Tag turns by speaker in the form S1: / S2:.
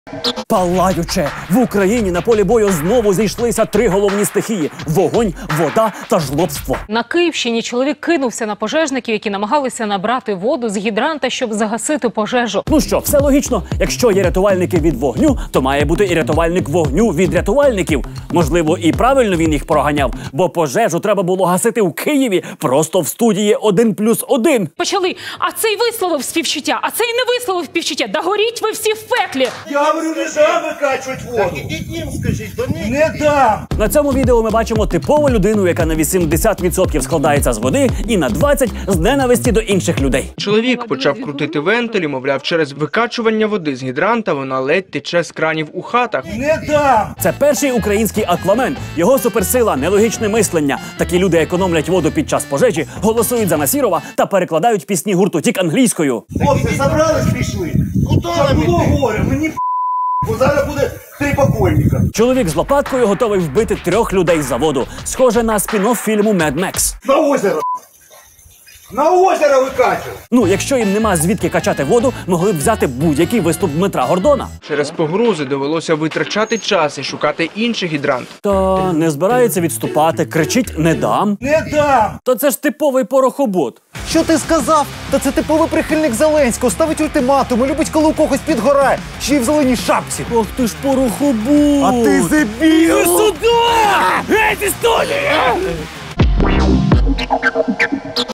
S1: Палаюче! В Україні на полі бою знову зійшлися три головні стихії – вогонь, вода та жлобство.
S2: На Київщині чоловік кинувся на пожежників, які намагалися набрати воду з гідранта, щоб загасити пожежу.
S1: Ну що, все логічно. Якщо є рятувальники від вогню, то має бути і рятувальник вогню від рятувальників. Можливо, і правильно він їх проганяв, бо пожежу треба було гасити у Києві просто в студії 1+1.
S2: Почали. А цей висловив співчуття, а цей не висловив співчуття. Да горіть ви всі в пеклі!
S3: Я говорю, не дам викачувати воду. Так ідіть їм, скажіть, до них. Не дам.
S1: На цьому відео ми бачимо типову людину, яка на 80% складається з води і на 20% з ненависті до інших людей.
S4: Чоловік почав крутити вентилі, мовляв, через викачування води з гідранта вона ледь тече з кранів у хатах.
S3: Не дам.
S1: Це перший український Аквамен. Його суперсила – нелогічне мислення. Такі люди економлять воду під час пожежі, голосують за Насірова та перекладають пісні гурту Тік англійською.
S3: Хлопці, забрались, пішли. Куди нам іти? Було горе, мені бо зараз буде 3 покойника.
S1: Чоловік з лопаткою готовий вбити 3 людей за воду. Схоже на спін-офф фільму «Mad Max».
S3: На озеро. На озеро викачують.
S1: Ну, якщо їм нема звідки качати воду, могли б взяти будь-який виступ Дмитра Гордона.
S4: Через погрози довелося витрачати час і шукати інший гідрант.
S1: Та не збирається відступати, кричить «не дам».
S3: Не дам.
S1: Та це ж типовий порохобот.
S5: Що ти сказав? Та це типовий прихильник Зеленського, ставить ультиматуми, любить, коли у когось підгорає, ще й в зеленій шапці.
S1: Ох ти ж порохобот!
S5: А ти дебіл!
S1: Іди сюди! Геть із студії!